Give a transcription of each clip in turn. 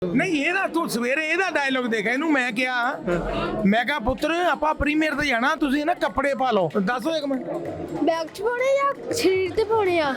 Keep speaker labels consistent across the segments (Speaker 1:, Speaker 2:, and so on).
Speaker 1: नहीं ये ना तू सवेरे ਇਹਦਾ ਡਾਇਲੌਗ ਦੇਖ ਇਹਨੂੰ ਮੈਂ ਕਿਹਾ ਪੁੱਤਰ ਆਪਾਂ ਪ੍ਰੀਮੀਅਰ ਤੇ ਜਾਣਾ ਤੁਸੀਂ ਨਾ ਕੱਪੜੇ ਪਾ ਲਓ ਦੱਸੋ ਇੱਕ ਮਿੰਟ
Speaker 2: ਬੈਗ 'ਚ ਪਾਉਣੇ ਜਾਂ ਸਰੀਰ ਤੇ ਪਾਉਣੇ ਆ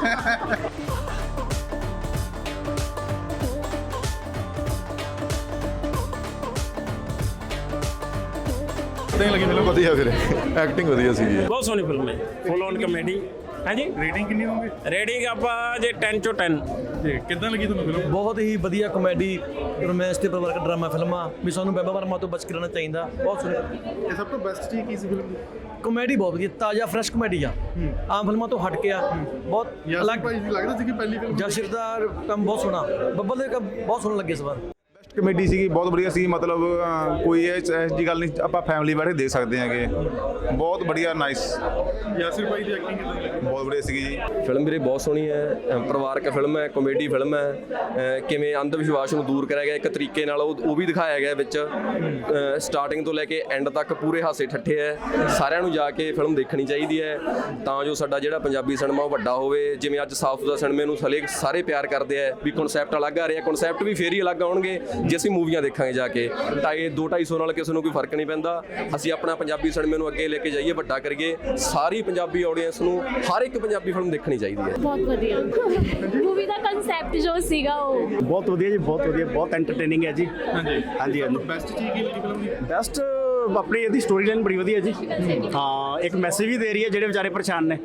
Speaker 3: ਲੱਗੀ ਫਿਲਮ ਵਧੀਆ ਫਿਰ ਐਕਟਿੰਗ ਵਧੀਆ ਸੀਗੀ
Speaker 4: ਬਹੁਤ ਸੋਹਣੀ ਫਿਲਮ ਹੈ ਫੁੱਲ ਔਨ ਕਮੇਡੀ ਹਾਂਜੀ
Speaker 3: ਰੇਟਿੰਗ ਕਿੰਨੀ ਹੋਊਗੀ
Speaker 4: ਰੇਟਿੰਗ ਆਪਾਂ ਜੇ 10 ਚੋਂ 10
Speaker 3: ਜੀ ਕਿੱਦਾਂ ਲੱਗੀ ਤੁਹਾਨੂੰ ਫਿਲਮ
Speaker 5: ਬਹੁਤ ਹੀ ਵਧੀਆ ਕਮੇਡੀ ਰੋਮਾਂਸ ਤੇ ਪਰਿਵਾਰਕ ਡਰਾਮਾ ਫਿਲਮਾਂ ਵੀ ਸਾਨੂੰ ਬੇਬਾ ਵਰਮਾ ਤੋਂ ਬਚ ਕੇ ਰਹਿਣਾ ਚਾਹੀਦਾ ਬਹੁਤ ਸੋਹਣੀ
Speaker 3: ਇਹ ਸਭ ਤੋਂ ਬੈਸਟ ਚੀਜ਼ ਕੀ ਸੀ ਫਿਲਮ ਦੀ
Speaker 5: ਕਮੇਡੀ ਬਹੁਤ ਵਧੀਆ ਤਾਜ਼ਾ ਫਰੈਸ਼ ਕਮੇਡੀ ਆ ਆਮ ਫਿਲਮਾਂ ਤੋਂ ਹਟ ਕੇ ਆ ਬਹੁਤ
Speaker 3: ਅਲੱਗ ਭਾਈ ਜੀ ਲੱਗਦਾ ਸੀ ਕਿ ਪਹਿਲੀ ਫਿਲਮ
Speaker 5: ਜਸ਼ਿਰ ਦਾ ਕੰਮ ਬਹੁਤ ਸੋਹਣਾ ਬੱਬਲ ਦੇ ਕੰਮ ਬਹੁਤ ਸੋਹਣਾ ਲੱਗੇ ਇਸ ਵਾਰ
Speaker 6: ਕਮੇਡੀ ਸੀਗੀ ਬਹੁਤ ਵਧੀਆ ਸੀ ਮਤਲਬ ਕੋਈ ਇਹ ਜੀ ਗੱਲ ਨਹੀਂ ਆਪਾਂ ਫੈਮਿਲੀ ਬੈਠੇ ਦੇਖ ਸਕਦੇ ਹੈਗੇ ਬਹੁਤ ਵਧੀਆ ਨਾਈਸ
Speaker 3: ਯਾਸਿਰ ਭਾਈ ਦੀ ਐਕਟਿੰਗ ਕਿੱਦਾਂ ਲੱਗੀ
Speaker 6: ਬਹੁਤ ਵਧੀਆ ਸੀਗੀ ਜੀ
Speaker 7: ਫਿਲਮ ਵੀਰੇ ਬਹੁਤ ਸੋਹਣੀ ਹੈ ਪਰਿਵਾਰਕ ਫਿਲਮ ਹੈ ਕਾਮੇਡੀ ਫਿਲਮ ਹੈ ਕਿਵੇਂ ਅੰਧ ਵਿਸ਼ਵਾਸ ਨੂੰ ਦੂਰ ਕਰਿਆ ਗਿਆ ਇੱਕ ਤਰੀਕੇ ਨਾਲ ਉਹ ਵੀ ਦਿਖਾਇਆ ਗਿਆ ਵਿੱਚ ਸਟਾਰਟਿੰਗ ਤੋਂ ਲੈ ਕੇ ਐਂਡ ਤੱਕ ਪੂਰੇ ਹਾਸੇ ਠੱਠੇ ਹੈ ਸਾਰਿਆਂ ਨੂੰ ਜਾ ਕੇ ਫਿਲਮ ਦੇਖਣੀ ਚਾਹੀਦੀ ਹੈ ਤਾਂ ਜੋ ਸਾਡਾ ਜਿਹੜਾ ਪੰਜਾਬੀ ਸਿਨੇਮਾ ਉਹ ਵੱਡਾ ਹੋਵੇ ਜਿਵੇਂ ਅੱਜ ਸਾਊਥ ਦਾ ਸਿਨੇਮੇ ਨੂੰ ਸਾਰੇ ਪਿਆਰ ਕਰਦੇ ਆ ਵੀ ਕਨਸੈਪਟ ਅਲੱਗ ਆ ਰਿਹਾ ਕਨਸੈਪਟ ਵੀ ਫੇਰ ਹੀ ਅਲੱਗ ਆਉਣਗੇ ਜੇ ਅਸੀਂ ਮੂਵੀਆਂ ਦੇਖਾਂਗੇ ਜਾ ਕੇ ਤਾਂ ਇਹ 2-250 ਨਾਲ ਕਿਸੇ ਨੂੰ ਕੋਈ ਫਰਕ ਨਹੀਂ ਪੈਂਦਾ ਅਸੀਂ ਆਪਣਾ ਪੰਜਾਬੀ ਸਿਨੇਮੇ ਨੂੰ ਅੱਗੇ ਲੈ ਕੇ ਜਾਈਏ ਵੱਡਾ ਕਰੀਏ ਸਾਰੀ ਪੰਜਾਬੀ ਆਡੀਅנס ਨੂੰ ਹਰ ਇੱਕ ਪੰਜਾਬੀ ਫਿਲਮ ਦੇਖਣੀ ਚਾਹੀਦੀ ਹੈ
Speaker 2: ਬਹੁਤ ਵਧੀਆ ਮੂਵੀ ਦਾ ਕਨਸੈਪਟ ਜੋ ਸੀਗਾ ਉਹ
Speaker 8: ਬਹੁਤ ਵਧੀਆ ਜੀ ਬਹੁਤ ਐਂਟਰਟੇਨਿੰਗ ਹੈ ਜੀ ਹਾਂਜੀ
Speaker 3: ਬੈਸਟ ਚੀਜ਼ ਕੀ ਲੱਗੀ ਫਿਲਮ ਦੀ
Speaker 8: ਬੈਸਟ ਆਪਣੀ ਇਹਦੀ ਸਟੋਰੀ ਲਾਈਨ ਬੜੀ ਵਧੀਆ ਜੀ ਹਾਂ ਇੱਕ ਮੈਸੇਜ ਵੀ ਦੇ ਰਹੀ ਹੈ ਜਿਹੜੇ ਵਿਚਾਰੇ ਪਰੇਸ਼ਾਨ ਨੇ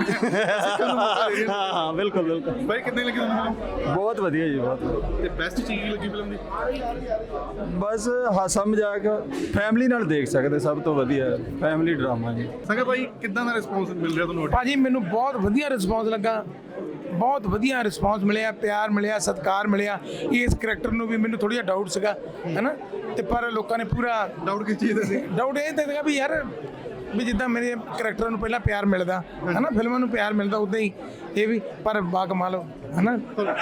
Speaker 8: ਹਾਂ ਬਿਲਕੁਲ
Speaker 3: ਭਾਈ ਕਿੰਨੀ ਲੱਗੀ ਤੁਹਾਨੂੰ ਫਿਲਮ
Speaker 8: ਬਹੁਤ ਵਧੀਆ ਜੀ ਬਹੁਤ
Speaker 3: ਤੇ ਬੈਸਟ ਚੀਜ਼ ਕੀ ਲੱਗੀ ਫਿਲਮ ਦੀ
Speaker 9: ਬਸ ਹਾਸਾ ਮਜ਼ਾਕ ਫੈਮਿਲੀ ਨਾਲ ਦੇਖ ਸਕਦੇ ਸਭ ਤੋਂ ਵਧੀਆ ਫੈਮਿਲੀ ਡਰਾਮਾ ਜੀ
Speaker 3: ਸੰਗਾ ਭਾਈ ਕਿੱਦਾਂ ਦਾ ਰਿਸਪੌਂਸ ਮਿਲ ਰਿਹਾ ਤੁਹਾਨੂੰ
Speaker 1: ਭਾਜੀ ਮੈਨੂੰ ਬਹੁਤ ਵਧੀਆ ਰਿਸਪੌਂਸ ਲੱਗਾ ਬਹੁਤ ਵਧੀਆ ਰਿਸਪੌਂਸ ਮਿਲਿਆ ਪਿਆਰ ਮਿਲਿਆ ਸਤਿਕਾਰ ਮਿਲਿਆ ਇਸ ਕਰੈਕਟਰ ਨੂੰ ਵੀ ਮੈਨੂੰ ਥੋੜਾ ਜਿਹਾ ਡਾਊਟ ਸੀਗਾ ਹੈਨਾ ਤੇ ਪਰ ਲੋਕਾਂ ਨੇ ਪੂਰਾ
Speaker 3: ਡਾਊਟ ਕਿਸ ਚੀਜ਼ ਦਾ ਸੀ
Speaker 1: ਡਾਊਟ ਇਹ ਤਾਂ ਸੀਗਾ ਵੀ ਯਾਰ ਵੀ ਜਿੱਦਾਂ ਮੇਰੇ ਕਰੈਕਟਰ ਨੂੰ ਪਹਿਲਾਂ ਪਿਆਰ ਮਿਲਦਾ ਹੈਨਾ ਫਿਲਮਾਂ ਨੂੰ ਪਿਆਰ ਮਿਲਦਾ ਉਦਾਂ ਹੀ ਇਹ ਵੀ ਪਰ ਬਾ ਕਮਾਲ ਹੈਨਾ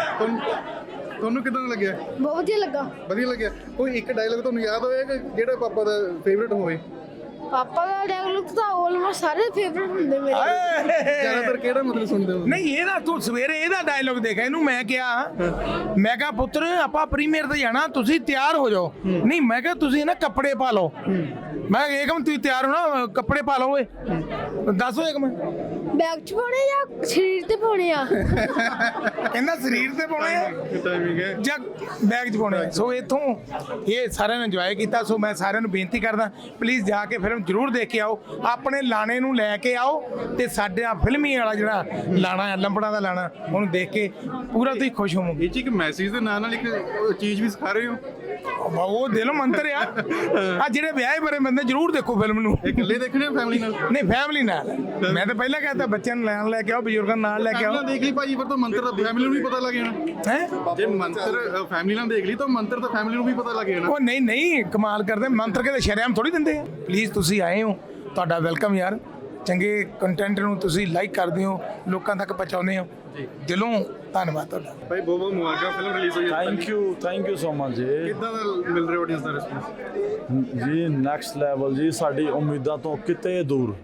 Speaker 3: ਤੁਹਾਨੂੰ ਕਿੱਦਾਂ ਲੱਗਿਆ
Speaker 2: ਬਹੁਤ ਵਧੀਆ ਲੱਗਾ
Speaker 3: ਵਧੀਆ ਲੱਗਿਆ ਕੋਈ ਇੱਕ ਡਾਇਲੌਗ ਤੁਹਾਨੂੰ ਯਾਦ ਹੋਇਆ ਕਿ ਜਿਹੜਾ ਪਾਪਾ ਦਾ ਫੇਵਰਿਟ ਹੋਵੇ
Speaker 2: ਪਾਪਾ ਦਾ ਡਾਇਲੌਗ ਤਾਂ ਆਲਮੋਸਟ ਸਾਰੇ ਫੇਵਰਿਟ ਹੁੰਦੇ ਮੇਰੇ
Speaker 3: ਜ਼ਿਆਦਾਤਰ ਕਿਹੜਾ ਮਤਲਬ ਸੁਣਦੇ ਹੋ
Speaker 1: ਨਹੀਂ ਇਹ ਨਾ ਤੂੰ ਸਵੇਰੇ ਇਹਦਾ ਡਾਇਲੌਗ ਦੇਖ ਇਹਨੂੰ ਮੈਂ ਕਿਹਾ ਪੁੱਤਰ ਆਪਾਂ ਪ੍ਰੀਮੀਅਰ ਤੇ ਜਾਣਾ ਤੁਸੀਂ ਤਿਆਰ ਹੋ ਜਾਓ ਨਹੀਂ ਮੈਂ ਕਿਹਾ ਤੁਸੀਂ ਨਾ ਕੱਪੜੇ ਪਾ ਲਓ ਮੈਂ ਏਕਮ ਤੁਸੀਂ ਤਿਆਰ ਹੋ ਨਾ ਕੱਪੜੇ ਪਾ ਲਓ ਓਏ ਦੱਸੋ ਏਕਮ
Speaker 2: ਬੈਗ 'ਚ ਪਾਉਣੇ ਜਾਂ ਸਰੀਰ ਤੇ ਪਾਉਣੇ ਆ
Speaker 1: ਕਹਿੰਦਾ ਸਰੀਰ ਤੇ ਪਾਉਣੇ ਆ
Speaker 3: ਟਾਈਮਿੰਗ ਹੈ
Speaker 1: ਜਾਂ ਬੈਗ 'ਚ ਪਾਉਣੇ ਆ ਸੋ ਇੱਥੋਂ ਇਹ ਸਾਰਿਆਂ ਨੇ ਇੰਜੋਏ ਕੀਤਾ ਸੋ ਮੈਂ ਸਾਰਿਆਂ ਨੂੰ ਬੇਨਤੀ ਕਰਦਾ ਪਲੀਜ਼ ਜਾ ਕੇ ਫਿਲਮ ਜ਼ਰੂਰ ਦੇਖ ਕੇ ਆਓ ਆਪਣੇ ਲਾਣੇ ਨੂੰ ਲੈ ਕੇ ਆਓ ਤੇ ਸਾਡਾ ਫਿਲਮੀ ਵਾਲਾ ਜਿਹੜਾ ਲਾਣਾ ਹੈ ਲੰਬੜਾ ਦਾ ਲਾਣਾ ਉਹਨੂੰ ਦੇਖ ਕੇ ਪੂਰਾ ਤੁਸੀਂ ਖੁਸ਼ ਹੋਵੋਗੇ
Speaker 3: ਇਹ ਚ ਇੱਕ ਮੈਸੇਜ ਦੇ ਨਾਲ ਇੱਕ ਚੀਜ਼ ਵੀ ਸਿਖਾ ਰਹੇ ਹੋ
Speaker 1: ਉਹ ਦਿਲ ਮੰਤਰ ਆ ਆ ਜਿਹੜੇ ਵਿਆਹੇ ਬਰੇ ਬੰਦੇ ਜ਼ਰੂਰ ਦੇਖੋ ਫਿਲਮ ਨੂੰ
Speaker 3: ਇਹ ਇਕੱਲੇ ਦੇਖਣੇ ਫੈਮਿਲੀ ਨਾਲ
Speaker 1: ਨਹੀਂ ਫੈਮਿਲੀ ਨਾਲ ਮੈਂ ਤਾਂ ਪਹਿਲਾਂ ਕਹਿੰਦਾ ਬੱਚਿਆਂ ਨੂੰ ਲੈਣ ਲੈ ਕੇ ਆਓ ਬਜ਼ੁਰਗਾਂ ਨੂੰ ਨਾਲ ਲੈ ਕੇ ਆਓ
Speaker 3: ਦੇਖ ਲਈ ਭਾਜੀ ਪਰ ਤਾਂ ਮੰਤਰ ਤਾਂ ਫੈਮਿਲੀ ਨੂੰ ਵੀ ਪਤਾ ਲੱਗ ਜਾਣਾ
Speaker 1: ਹੈ
Speaker 3: ਜੇ ਮੰਤਰ ਫੈਮਿਲੀ ਨਾਲ ਦੇਖ ਲਈ ਤਾਂ ਮੰਤਰ ਤਾਂ ਫੈਮਿਲੀ ਨੂੰ ਵੀ ਪਤਾ ਲੱਗ ਜਾਣਾ
Speaker 1: ਉਹ ਨਹੀਂ ਕਮਾਲ ਕਰਦੇ ਮੰਤਰ ਕਿਤੇ ਸ਼ਰੇਆਮ ਥੋੜੀ ਦਿੰਦੇ ਆ ਪਲੀਜ਼ ਤੁਸੀਂ ਆਏ ਹੋ ਤੁਹਾਡਾ ਵੈਲਕਮ ਯਾਰ ਚੰਗੇ ਕੰਟੈਂਟ ਨੂੰ ਤੁਸੀਂ ਲਾਈਕ ਕਰਦੇ ਹੋ ਲੋਕਾਂ ਤੱਕ ਪਹੁੰਚਾਉਂਦੇ ਹੋ ਦਿਲੋਂ ਧੰਨਵਾਦ ਤੁਹਾਡਾ
Speaker 3: ਭਾਈ ਬਹੁਤ ਮੁਬਾਰਕਾਂ ਫਿਲਮ ਰਿਲੀਜ਼ ਹੋਈ ਹੈ
Speaker 9: ਥੈਂਕ ਯੂ ਸੋ ਮਚ ਜੀ
Speaker 3: ਕਿੱਦਾਂ ਦਾ ਮਿਲ ਰਿਹਾ ਆਡੀਅנס ਦਾ ਰਿਸਪੌਂਸ
Speaker 9: ਜੀ ਨੈਕਸਟ ਲੈਵਲ ਜੀ ਸਾਡੀ ਉਮੀਦਾਂ ਤੋਂ ਕਿਤੇ ਦੂਰ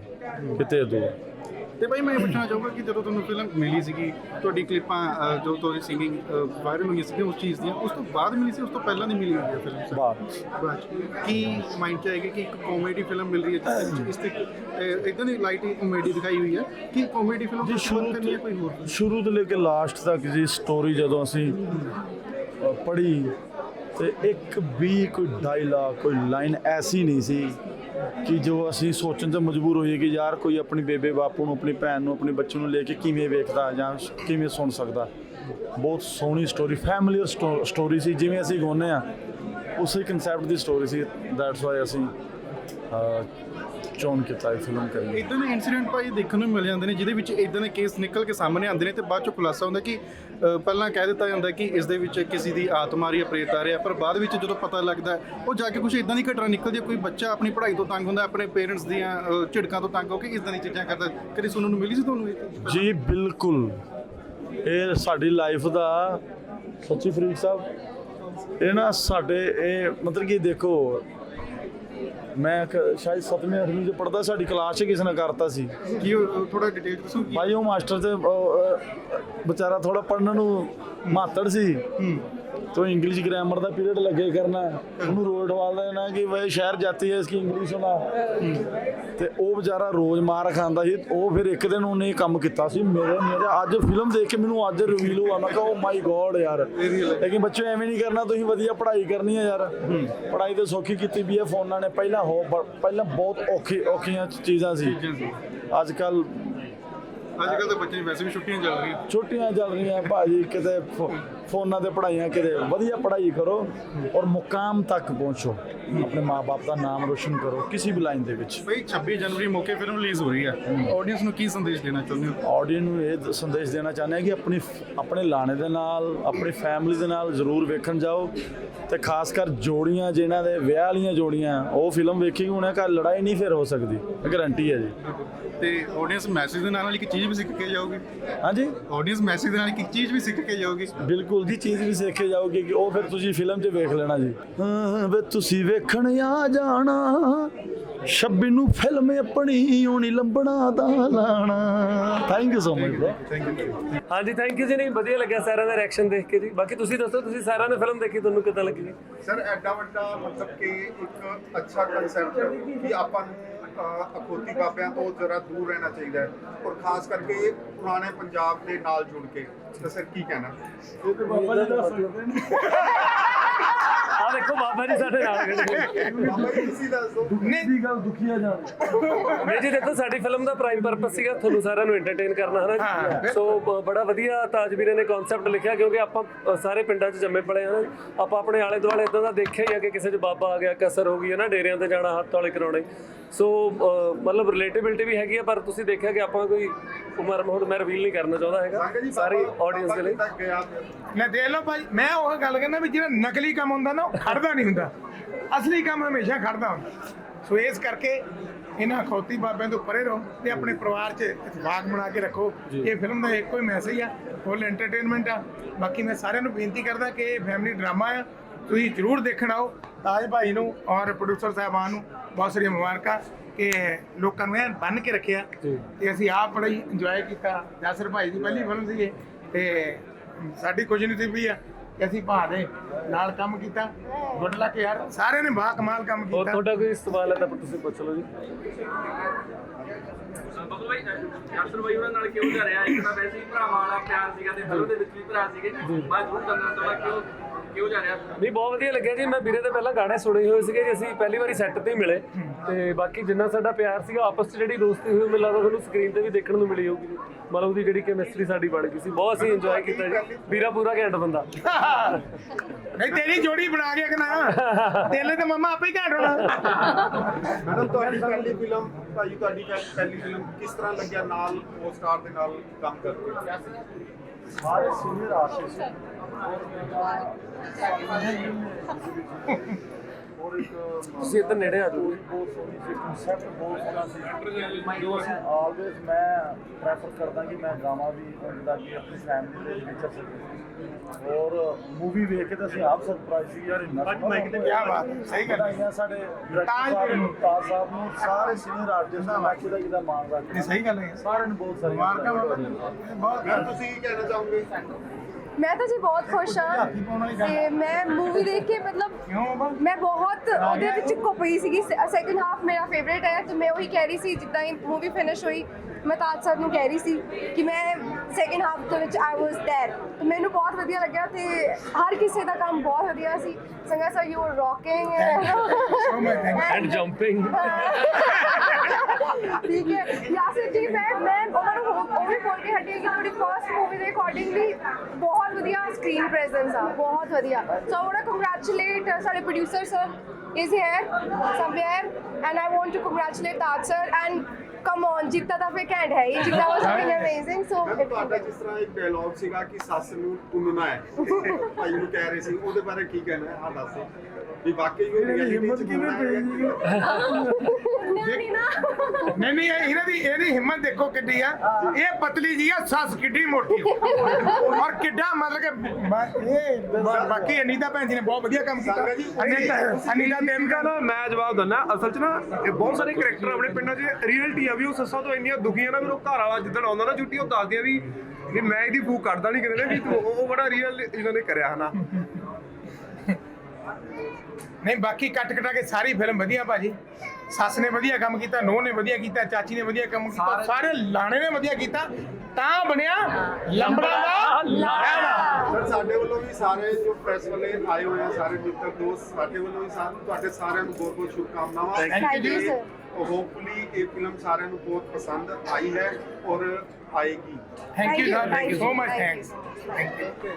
Speaker 3: ਤੇ ਭਾਈ ਮੈਂ ਇਹ ਪੁੱਛਣਾ ਚਾਹੂੰਗਾ ਕਿ ਜਦੋਂ ਤੁਹਾਨੂੰ ਫਿਲਮ ਮਿਲੀ ਸੀਗੀ ਤੁਹਾਡੀ ਕਲਿੱਪਾਂ ਜੋ ਤੁਹਾਡੀ ਸਿੰਗਿੰਗ ਵਾਇਰਲ ਹੋਈਆਂ ਸੀਗੀਆਂ ਉਸ ਚੀਜ਼ ਦੀਆਂ ਉਸ ਤੋਂ ਬਾਅਦ ਮਿਲੀ ਸੀ ਉਸ ਤੋਂ ਪਹਿਲਾਂ ਨਹੀਂ ਮਿਲੀ ਹੋਈ ਹੈ ਫਿਲਮ ਬਾਅਦ ਕੀ ਮਾਈਂਡ 'ਚ ਆਏਗਾ ਕਿ ਇੱਕ ਕਾਮੇਡੀ ਫਿਲਮ ਮਿਲ ਰਹੀ ਹੈ ਇਸ ਤੇ ਇਦਾਂ ਦੀ ਲਾਈਟ ਕਾਮੇਡੀ ਦਿਖਾਈ ਹੋਈ ਹੈ ਕਿ ਕਾਮੇਡੀ ਫਿਲਮ
Speaker 9: ਜੀ
Speaker 3: ਕਰਨੀ ਹੈ ਕੋਈ ਹੋਰ
Speaker 9: ਸ਼ੁਰੂ ਤੋਂ ਲੈ ਕੇ ਲਾਸਟ ਤੱਕ ਜੀ ਸਟੋਰੀ ਜਦੋਂ ਅਸੀਂ ਪੜ੍ਹੀ ਤੇ ਇੱਕ ਵੀ ਕੋਈ ਡਾਇਲਾਗ ਕੋਈ ਲਾਈਨ ਐਸੀ ਨਹੀਂ ਸੀ ਕਿ ਜੋ ਅਸੀਂ ਸੋਚਣ 'ਤੇ ਮਜਬੂਰ ਹੋਈਏ ਕਿ ਯਾਰ ਕੋਈ ਆਪਣੀ ਬੇਬੇ ਬਾਪੂ ਨੂੰ ਆਪਣੀ ਭੈਣ ਨੂੰ ਆਪਣੇ ਬੱਚੇ ਨੂੰ ਲੈ ਕੇ ਕਿਵੇਂ ਵੇਖਦਾ ਜਾਂ ਕਿਵੇਂ ਸੁਣ ਸਕਦਾ ਬਹੁਤ ਸੋਹਣੀ ਸਟੋਰੀ ਫੈਮਿਲੀਅਰ ਸਟੋਰੀ ਸੀ ਜਿਵੇਂ ਅਸੀਂ ਗਾਉਂਦੇ ਹਾਂ ਉਸੇ ਕਨਸੈਪਟ ਦੀ ਸਟੋਰੀ ਸੀ ਦੈਟਸ ਵਾਈ ਅਸੀਂ ਚੋਣ ਕੀਤਾ ਫਿਲਮ ਕਰਨੀ
Speaker 3: ਇਦਾਂ ਦੇ ਇਨਸੀਡੈਂਟ ਭਾਈ ਦੇਖਣ ਨੂੰ ਮਿਲ ਜਾਂਦੇ ਨੇ ਜਿਹਦੇ ਵਿੱਚ ਇਦਾਂ ਦੇ ਕੇਸ ਨਿਕਲ ਕੇ ਸਾਹਮਣੇ ਆਉਂਦੇ ਨੇ ਤੇ ਬਾਅਦ ਚੋਂ ਖੁਲਾਸਾ ਹੁੰਦਾ ਕਿ ਪਹਿਲਾਂ ਕਹਿ ਦਿੱਤਾ ਜਾਂਦਾ ਕਿ ਇਸ ਦੇ ਵਿੱਚ ਕਿਸੇ ਦੀ ਆਤਮਾ ਜਾਂ ਪ੍ਰੇਤ ਆ ਰਿਹਾ ਪਰ ਬਾਅਦ ਵਿੱਚ ਜਦੋਂ ਪਤਾ ਲੱਗਦਾ ਉਹ ਜਾ ਕੇ ਕੁਝ ਇਦਾਂ ਦੀ ਘਟਨਾ ਨਿਕਲਦੀ ਹੈ ਕੋਈ ਬੱਚਾ ਆਪਣੀ ਪੜ੍ਹਾਈ ਤੋਂ ਤੰਗ ਹੁੰਦਾ ਆਪਣੇ ਪੇਰੈਂਟਸ ਦੀਆਂ ਝਿੜਕਾਂ ਤੋਂ ਤੰਗ ਹੋ ਕੇ ਇਦਾਂ ਦੀ ਚੀਜ਼ਾਂ ਕਰਦਾ ਕਦੇ ਸੁਣਨ ਨੂੰ ਮਿਲੀ ਸੀ ਤੁਹਾਨੂੰ
Speaker 9: ਜੀ ਬਿਲਕੁਲ ਇਹ ਸਾਡੀ ਲਾਈਫ ਦਾ ਸੱਚੀ ਫਰੀਦ ਸਾਹਿਬ ਇਹ ਨਾ ਸਾਡੇ ਇਹ ਮਤਲਬ ਕਿ ਦੇਖੋ ਮੈਂ ਸ਼ਾਇਦ 7ਵੀਂ 8ਵੀਂ ਚ ਪੜ੍ਹਦਾ ਸਾਡੀ ਕਲਾਸ 'ਚ ਕਿਸੇ ਨੇ ਕਰਤਾ ਸੀ
Speaker 3: ਕੀ ਥੋੜਾ ਡਿਟੇਲ ਦੱਸੋ
Speaker 9: ਭਾਈ ਉਹ ਮਾਸਟਰ ਤੇ ਵਿਚਾਰਾ ਥੋੜਾ ਪੜ੍ਹਨ ਨੂੰ ਮਾਤੜ ਸੀ तो इंग्लिश ग्रामर का पीरियड लगे करना ਉਹਨੂੰ ਰੋਜ਼ ਠਵਾਲ ਦੇਣਾ ਕਿ ਵੇ ਸ਼ਹਿਰ ਜਾਤੀ ਹੈ ਇਸकी ਇੰਗਲਿਸ਼ ਹੋਣਾ ਤੇ ਉਹ ਵਿਚਾਰਾ ਰੋਜ਼ ਮਾਰ ਖਾਂਦਾ ਸੀ। ਉਹ ਫਿਰ ਇੱਕ ਦਿਨ ਉਹਨੇ ਇਹ ਕੰਮ ਕੀਤਾ ਸੀ ਮੇਰੇ ਅੱਜ ਫਿਲਮ ਦੇਖ ਕੇ ਮੈਨੂੰ ਅੱਜ ਰਿਵੀਲ ਹੋਇਆ ਮੈਂ ਕਿਹਾ ਓ ਮਾਈ ਗੋਡ ਯਾਰ। ਲੇਕਿਨ ਬੱਚੇ ਐਵੇਂ ਨਹੀਂ ਕਰਨਾ, ਤੁਸੀਂ ਵਧੀਆ ਪੜ੍ਹਾਈ ਕਰਨੀ ਹੈ ਯਾਰ। ਪੜ੍ਹਾਈ ਤੇ ਸੌਖੀ ਕੀਤੀ ਵੀ ਹੈ ਫੋਨਾਂ ਨੇ। ਪਹਿਲਾਂ ਬਹੁਤ ਔਖੀਆਂ ਚੀਜ਼ਾਂ ਸੀ। ਅੱਜ ਕੱਲ
Speaker 3: ਤਾਂ ਬੱਚੇ ਵੈਸੇ ਵੀ ਛੁੱਟੀਆਂ
Speaker 9: ਚੱਲ ਰਹੀਆਂ ਭਾਜੀ। ਕਿਤੇ ਫੋਨਾਂ ਤੇ ਪੜ੍ਹਾਈਆਂ, ਕਿਤੇ ਵਧੀਆ ਪੜ੍ਹਾਈ ਕਰੋ ਔਰ ਮੁਕਾਮ ਤੱਕ ਪਹੁੰਚੋ, ਆਪਣੇ ਮਾਂ-ਬਾਪ ਦਾ ਨਾਮ ਰੋਸ਼ਨ ਕਰੋ ਕਿਸੇ ਵੀ ਲਾਈਨ ਦੇ ਵਿੱਚ।
Speaker 3: ਬਈ 26 ਜਨਵਰੀ ਮੌਕੇ ਫਿਲਮ ਰਿਲੀਜ਼ ਹੋ ਰਹੀ ਹੈ, ਆਡੀਅנס ਨੂੰ ਕੀ ਸੰਦੇਸ਼ ਦੇਣਾ ਚਾਹੁੰਦੇ ਹੋ?
Speaker 9: ਆਡੀਅנס ਨੂੰ ਇਹ ਸੰਦੇਸ਼ ਦੇਣਾ ਚਾਹੁੰਦੇ ਹਾਂ ਕਿ ਆਪਣੇ ਲਾਣੇ ਦੇ ਨਾਲ, ਆਪਣੀ ਫੈਮਿਲੀ ਦੇ ਨਾਲ ਜ਼ਰੂਰ ਵੇਖਣ ਜਾਓ ਤੇ ਖਾਸ ਕਰ ਜੋੜੀਆਂ ਜਿਨ੍ਹਾਂ ਦੇ ਵਿਆਹ ਵਾਲੀਆਂ ਜੋੜੀਆਂ, ਉਹ ਫਿਲਮ ਵੇਖੀ ਉਹਨਾਂ ਘਰ ਲੜਾਈ ਨਹੀਂ ਫਿਰ ਹੋ ਸਕਦੀ, ਗਾਰੰਟੀ ਹੈ ਜੀ।
Speaker 3: ਤੇ ਆਡੀਅנס ਮੈਸੇਜ ਦੇ ਨਾਲ ਇੱਕ ਚੀਜ਼ ਵੀ ਸਿੱਖ ਕੇ ਜਾਓਗੇ?
Speaker 9: ਹਾਂਜੀ,
Speaker 3: ਆਡੀਅנס ਮੈਸੇਜ ਦੇ ਨਾਲ ਇੱਕ ਚੀਜ਼ ਵੀ ਸਿੱਖ ਕੇ ਜਾਓਗੇ?
Speaker 9: ਬਿਲਕੁਲ ਦੀ ਚੀਜ਼ ਵੀ ਸਿੱਖ ਕੇ ਜਾਓਗੇ ਕਿ ਉਹ ਫਿਰ ਤੁਸੀਂ ਫਿਲਮ 'ਚ ਵੇਖ ਲੈਣਾ ਜੀ। ਵੇ ਤੁਸੀਂ ਵੇਖਣ ਆ ਜਾਣਾ 26 ਨੂੰ ਫਿਲਮ ਆਪਣੀ ਹੋਣੀ ਲੰਬੜਾ ਦਾ ਲਾਣਾ। Thank you so much bro.
Speaker 5: ਹਾਂਜੀ ਥੈਂਕ ਯੂ ਜੀ। ਨਹੀਂ ਵਧੀਆ ਲੱਗਿਆ ਸਾਰਿਆਂ ਦਾ ਰਿਐਕਸ਼ਨ ਦੇਖ ਕੇ ਜੀ। ਬਾਕੀ ਤੁਸੀਂ ਦੱਸੋ, ਤੁਸੀਂ ਸਾਰਿਆਂ ਨੇ ਫਿਲਮ ਦੇਖੀ, ਤੁਹਾਨੂੰ ਕਿੱਦਾਂ ਲੱਗੀ ਜੀ?
Speaker 10: ਸਰ ਐਡਾ ਵੱਡਾ ਮਤਲਬ ਕਿ ਇੱਕ ਅੱਛਾ ਕਨਸੈਪਟ ਕਿ ਆਪਾਂ ਨੂੰ ਅਖੌਤੀ ਬਾਬਿਆਂ ਤੋਂ ਜ਼ਰਾ ਦੂਰ ਰਹਿਣਾ ਚਾਹੀਦਾ ਹੈ ਔਰ ਖਾਸ ਕਰਕੇ ਪੁਰਾਣੇ ਪੰਜਾਬ ਦੇ ਨਾਲ ਜੁੜ ਕੇ। ਤਾਂ ਸਰ ਕੀ ਕਹਿਣਾ?
Speaker 5: ਆ ਦੇਖੋ ਬਾਬਾ ਜੀ ਸਾਡੇ ਨਾਲ ਖੜੇ ਨੇ।
Speaker 10: ਬਾਬਾ ਜੀ ਤੁਸੀਂ ਦੱਸ ਦਿਓ।
Speaker 9: ਦੀ ਗੱਲ ਦੁਖੀਆ ਜਾਣ
Speaker 5: ਨਹੀਂ ਜੀ ਦੇਖੋ, ਸਾਡੀ ਫਿਲਮ ਦਾ ਪ੍ਰਾਈਮ ਪਰਪਸ ਸੀਗਾ ਤੁਹਾਨੂੰ ਸਾਰਿਆਂ ਨੂੰ ਐਂਟਰਟੇਨ ਕਰਨਾ, ਹੈ ਨਾ ਜੀ। ਸੋ ਬੜਾ ਵਧੀਆ ਤਾਜ ਵੀਰੇ ਨੇ ਕਨਸੈਪਟ ਲਿਖਿਆ, ਕਿਉਂਕਿ ਆਪਾਂ ਸਾਰੇ ਪਿੰਡਾਂ 'ਚ ਜੰਮੇ ਪਲੇ ਹਾਂ ਨਾ। ਆਪਾਂ ਆਪਣੇ ਆਲੇ ਦੁਆਲੇ ਇਦਾਂ ਦਾ ਦੇਖਿਆ ਹੀ ਆ ਕਿ ਕਿਸੇ 'ਚ ਬਾਬਾ ਆ ਗਿਆ, ਕਸਰ ਹੋ ਗਈ ਹੈ ਨਾ, ਡੇਰਿਆਂ ਤੇ ਜਾਣਾ, ਹੱਥ ਵਾਲੇ ਕਰਾਉਣੇ। ਸੋ ਮਤਲਬ ਰਿਲੇਟੇਬਿਲਿਟੀ ਵੀ ਹੈਗੀ ਆ, ਪਰ ਤੁਸੀਂ ਦੇਖਿਆ ਕਿ ਆਪਾਂ ਕੋਈ ਉਮਰ ਹੁਣ ਮੈਂ ਰਿਵੀਲ ਨਹੀਂ ਕਰਨਾ ਚਾਹੁੰਦਾ ਹੈਗਾ ਸਾਰੀ ਆਡੀਅנס ਦੇ ਲਈ।
Speaker 1: ਨਾ ਦੇਖ ਲਓ ਭਾਈ, ਮੈਂ ਉਹ ਗੱਲ ਕਹਿੰਦਾ ਵੀ ਜਿਹੜਾ ਨਕਲੀ ਕੰਮ ਹੁੰਦਾ ਨਾ ਉਹ ਖੜਦਾ ਨਹੀਂ ਹੁੰਦਾ, ਅਸਲੀ ਕੰਮ ਹਮੇਸ਼ਾ ਖੜਦਾ ਹੁੰਦਾ। ਸੋ ਇਸ ਕਰਕੇ ਇਹਨਾਂ ਅਖੌਤੀ ਬਾਬਿਆਂ ਤੋਂ ਪਰੇ ਰਹੋ ਤੇ ਆਪਣੇ ਪਰਿਵਾਰ 'ਚ ਇਤਫਾਕ ਬਣਾ ਕੇ ਰੱਖੋ। ਇਹ ਫਿਲਮ ਦਾ ਇੱਕੋ ਹੀ ਮੈਸੇਜ ਆ, ਫੁੱਲ ਐਂਟਰਟੇਨਮੈਂਟ ਆ। ਬਾਕੀ ਮੈਂ ਸਾਰਿਆਂ ਨੂੰ ਬੇਨਤੀ ਕਰਦਾ ਕਿ ਇਹ ਫੈਮਿਲੀ ਡਰਾਮਾ ਆ, ਤੁਸੀਂ ਜ਼ਰੂਰ ਦੇਖਣ ਆਓ। ਤਾਜ ਭਾਈ ਨੂੰ ਔਰ ਪ੍ਰੋਡਿਊਸਰ ਸਾਹਿਬਾਨ ਨੂੰ ਬਹੁਤ ਸਾਰੀਆਂ ਮੁਬਾਰਕਾਂ ਕਿ ਲੋਕਾਂ ਨੂੰ ਐਨ ਬੰਨ੍ਹ ਕੇ ਰੱਖਿਆ ਤੇ ਅਸੀਂ ਆਪ ਬੜਾ ਹੀ ਇੰਜੋਏ ਕੀਤਾ। ਜਾਸਰ ਭਾਈ ਦੀ ਪਹਿਲੀ ਫਿਲਮ ਸੀ ਤੇ ਸਾਡੀ ਖੁਸ਼ਨਸੀਬੀ ਵੀ ਆ ਕਿ ਅਸੀਂ ਭਾ ਦੇ ਨਾਲ ਕੰਮ ਕੀਤਾ। ਗੁੱਡ ਲੱਕ ਯਾਰ, ਸਾਰਿਆਂ ਨੇ ਬਾ ਕਮਾਲ ਕੰਮ
Speaker 5: ਹੋਰ
Speaker 1: ਕੀਤਾ।
Speaker 5: ਤੁਹਾਡਾ ਕੋਈ ਸਵਾਲ ਹੈ ਤਾਂ ਤੁਸੀਂ ਪੁੱਛ ਲਓ ਜੀ।
Speaker 11: ਬੱਬੂ ਭਾਈ ਜਾਸਰ ਭਾਈ ਉਹਨਾਂ ਨਾਲ ਕਿਉਂ ਜਾ ਰਿਹਾ? ਇੱਕ ਤਾਂ ਵੈਸੇ ਹੀ ਭਰਾਵਾਂ ਵਾਲਾ ਪਿਆਰ ਸੀਗਾ ਤੇ ਫਿਲਮ ਦੇ ਵਿੱਚ ਵੀ ਭਰਾ ਸੀਗੇ। ਮੈਂ ਜ਼ਰੂਰ ਕਰਨਾ ਚਾਹੁੰਦਾ ਕਿਉਂ ਜਾ ਰਿਹਾ?
Speaker 5: ਨਹੀਂ ਬਹੁਤ ਵਧੀਆ ਲੱਗਿਆ ਜੀ। ਮੈਂ ਵੀਰੇ ਦੇ ਪਹਿਲਾਂ ਗਾਣੇ ਸੁਣੇ ਹੋਏ ਸੀਗੇ ਜੀ, ਅਸੀਂ ਪਹਿਲੀ ਵਾਰੀ ਸੈੱਟ ਤੇ ਹੀ ਮਿਲੇ ਤੇ ਬਾਕੀ ਜਿੰਨਾ ਸਾਡਾ ਪਿਆਰ ਸੀਗਾ ਆਪਸ 'ਚ ਜਿਹੜੀ ਦੋਸਤੀ ਹੋਈ, ਮੈਨੂੰ ਲੱਗਦਾ ਤੁਹਾਨੂੰ ਸਕਰੀਨ ਤੇ ਵੀ ਦੇਖਣ ਨੂੰ ਮਿਲੀ ਹੋਊਗੀ। ਮਤਲਬ ਉਹਦੀ ਜਿਹੜੀ ਕੈਮਿਸਟਰੀ ਸਾਡੀ ਬਣ ਗਈ ਸੀ, ਬਹੁਤ ਅਸੀਂ ਇੰਜੋਏ ਕੀਤਾ ਜੀ। ਵੀਰਾ ਪੂਰਾ ਘੈਂਟ ਬੰਦਾ।
Speaker 1: ਨਹੀਂ ਤੇਰੀ ਜੋੜੀ ਬਣਾ ਕੇ ਨਾ ਤੇਲੇ ਤੇ ਮਮਾ ਆਪੇ ਹੀ ਘੈਂਟ ਹੋਣਾ।
Speaker 10: ਮੈਡਮ ਤੁਹਾਡੀ ਪਹਿਲੀ ਫਿਲਮ ਭਾਈ, ਤੁਹਾਡੀ ਪਹਿਲੀ ਫਿਲਮ ਕਿਸ ਤਰ੍ਹਾਂ ਲੱਗਿਆ ਨਾਲ ਉਹ ਸਟਾਰ ਦੇ ਨਾਲ ਕੰਮ ਕਰਕੇ?
Speaker 9: ਸਾਰੇ ਸੀਨੀਅਰ ਆਰਟਿਸਟ ਔਰ ਇੱਕ
Speaker 5: ਤੁਸੀਂ ਇੱਧਰ ਨੇੜੇ ਆ ਜਾਓ।
Speaker 9: ਬਹੁਤ ਸੋਹਣੀ ਸੀ, ਕਨਸੈਪਟ ਬਹੁਤ ਸੋਹਣਾ ਸੀ। ਜੋ ਅਸੀਂ ਆਲਵੇਜ਼ ਮੈਂ ਪ੍ਰੈਫਰ ਕਰਦਾ ਕਿ ਮੈਂ ਗਾਵਾਂ ਵੀ ਜਿੱਦਾਂ ਕਿ ਆਪਣੀ ਫੈਮਿਲੀ ਦੇ ਵਿੱਚ ਵਿਚਰ ਸਕੇ। ਔਰ ਮੂਵੀ ਵੇਖ ਕੇ ਤਾਂ ਅਸੀਂ ਆਪ ਸਰਪ੍ਰਾਈਜ਼ ਸੀ ਯਾਰ, ਇੰਨਾ
Speaker 1: ਕਿਆ ਬਾਤ ਹੈ, ਸਹੀ ਗੱਲ ਹੈ।
Speaker 9: ਸਾਡੇ ਡਾਇਰੈਕਟਰ ਸਾਹਿਬ ਨੂੰ, ਤਾਜ ਸਾਹਿਬ ਨੂੰ, ਸਾਰੇ ਸੀਨੀਅਰ ਆਰਟਿਸਟ ਦਾ ਮੈਂ ਕਿਹਦਾ ਮਾਣ ਰੱਖਦਾ।
Speaker 1: ਨਹੀਂ ਸਹੀ ਗੱਲ ਹੈ,
Speaker 9: ਸਾਰਿਆਂ ਨੂੰ ਬਹੁਤ ਸਾਰੀਆਂ
Speaker 1: ਮੁਬਾਰਕਾਂ ਬਾਬਾ ਜੀ। ਬਹੁਤ
Speaker 10: ਤੁਸੀਂ ਕੀ ਕਹਿਣਾ ਚਾਹੋਗੇ?
Speaker 2: ਮੈਂ ਤਾਂ ਜੀ ਬਹੁਤ ਖੁਸ਼ ਹਾਂ ਤੇ ਮੈਂ ਮੂਵੀ ਦੇਖ ਕੇ ਮਤਲਬ ਮੈਂ ਬਹੁਤ ਉਹਦੇ ਵਿੱਚ ਖੁਪਈ ਸੀਗੀ। ਸੈਕਿੰਡ ਹਾਫ ਮੇਰਾ ਫੇਵਰੇਟ ਹੈ ਤੇ ਮੈਂ ਉਹੀ ਕਹਿ ਰਹੀ ਸੀ ਜਿੱਦਾਂ ਹੀ ਮੂਵੀ ਫਿਨਿਸ਼ ਹੋਈ, ਮੈਂ ਤਾਜ ਸਰ ਨੂੰ ਕਹਿ ਰਹੀ ਸੀ ਕਿ ਮੈਂ ਸੈਕਿੰਡ ਹਾਫ ਦੇ ਵਿੱਚ ਆਈ ਵਾਸ ਦੇਅਰ। ਤੇ ਮੈਨੂੰ ਬਹੁਤ ਵਧੀਆ ਲੱਗਿਆ ਤੇ ਹਰ ਕਿਸੇ ਦਾ ਕੰਮ ਬਹੁਤ ਵਧੀਆ ਸੀ। Sanga sir you are rocking
Speaker 5: and jumping.
Speaker 2: ਠੀਕ ਹੈ ਯਾਸਿਰ ਜੀ, ਮੈਂ ਉਹਨਾਂ ਨੂੰ ਉਹ ਵੀ ਬੋਲ ਕੇ ਹਟੀ ਕਿ ਤੁਹਾਡੀ ਫਰਸਟ ਮੂਵੀ ਦੇ ਅਕੋਰਡਿੰਗਲੀ ਬਹੁਤ ਵਧੀਆ ਸਕਰੀਨ ਪ੍ਰੈਜ਼ੈਂਸ ਆ, ਬਹੁਤ ਵਧੀਆ। So I want to congratulate ਸਾਡੇ producer sir is here somewhere and I want to congratulate Taj sir and come on ਜਿੱਤਾ ਤਾਂ ਫੇ ਘੈਂਟ ਹੈ ਹੀ, ਜਿੱਤਾ was something amazing। so
Speaker 10: ਤੁਹਾਡਾ ਜਿਸ ਤਰ੍ਹਾਂ ਇੱਕ ਡਾਇਲੌਗ ਸੀਗਾ ਕਿ ਸੱਸ ਨੂੰ ਤੁੰਨਣਾ ਹੈ, ਭਾਈ ਨੂੰ ਕਹਿ ਰਹੇ ਸੀ, ਉਹਦੇ ਬਾਰੇ ਕੀ ਕਹਿਣਾ ਹੈ? ਆ ਦੱਸੋ ਵੀ ਵਾਕਈ ਉਹ ਰਿਐਲਿਟੀ ਚ ਕਿਵੇਂ ਪਈ?
Speaker 1: ਨਹੀਂ ਇਹਦੀ ਹਿੰਮਤ ਦੇਖੋ ਕਿੱਡੀ ਆ। ਇਹ ਪਤਲੀ ਜੀ ਆ, ਸੱਸ ਕਿੱਡੀ ਮੋਟੀ ਔਰ ਕਿੱਡਾ ਮਤਲਬ ਕਿ ਇਹ ਬਾਕੀ ਅਨੀਤਾ ਭੈਣ ਜੀ ਨੇ ਬਹੁਤ ਵਧੀਆ ਕੰਮ ਕੀਤਾ। ਅਨੀਤਾ ਦੇਵਕਾ
Speaker 12: ਨਾ ਮੈਂ ਜਵਾਬ ਦਿੰਦਾ, ਅਸਲ 'ਚ ਨਾ ਬਹੁਤ ਸਾਰੇ ਕਰੈਕਟਰ ਆਪਣੇ ਪਿੰਡਾਂ 'ਚ ਰੀਅਲਟੀ ਆ ਵੀ ਉਹ ਸੱਸਾਂ ਤੋਂ ਇੰਨੀਆਂ ਦੁਖੀਆਂ ਨਾ, ਫਿਰ ਉਹ ਘਰ ਵਾਲਾ ਜਿੱਦਣ ਆਉਂਦਾ ਨਾ ਛੁੱਟੀ, ਉਹ ਦੱਸਦੀਆਂ ਵੀ ਮੈਂ ਇਹਦੀ ਫੂਕ ਕੱਢਦਾ ਨਹੀਂ ਕਿਤੇ ਨਾ, ਵੀ ਉਹ ਬੜਾ ਰੀਅਲ ਇਹਨਾਂ ਨੇ ਕਰਿਆ ਹਨਾ।
Speaker 1: ਨਹੀਂ ਬਾਕੀ ਕੱਟ ਕਟਾ ਕੇ ਸਾਰੀ ਫਿਲਮ ਵਧੀਆ ਭਾਜੀ। ਸੱਸ ਨੇ ਵਧੀਆ ਕੰਮ ਕੀਤਾ, ਨੂੰਹ ਨੇ ਵਧੀਆ ਕੀਤਾ, ਚਾਚੀ ਨੇ ਵਧੀਆ ਕੰਮ ਕੀਤਾ, ਸਾਰੇ ਲਾਣੇ ਨੇ ਵਧੀਆ ਕੀਤਾ, ਤਾਂ ਬਣਿਆ ਲੰਬੜਾ ਦਾ ਲਾਣਾ।
Speaker 10: ਸਰ ਸਾਡੇ ਵੱਲੋਂ ਵੀ ਸਾਰੇ ਜੋ ਪ੍ਰੈਸ ਵਾਲੇ ਆਏ ਹੋਏ ਆ, ਸਾਰੇ ਮਿੱਤਰ ਦੋਸਤ, ਸਾਡੇ ਵੱਲੋਂ ਵੀ ਤੁਹਾਡੇ ਸਾਰਿਆਂ ਨੂੰ ਬਹੁਤ ਬਹੁਤ ਸ਼ੁਭਕਾਮਨਾਵਾਂ।
Speaker 2: Thank you, sir.
Speaker 10: ਹੋਪਫੁਲੀ ਇਹ ਫਿਲਮ ਸਾਰਿਆਂ ਨੂੰ ਬਹੁਤ ਪਸੰਦ ਆਈ ਹੈ ਔਰ ਆਏਗੀ।
Speaker 1: Thank you sir, thank you so much, thanks. Thank you.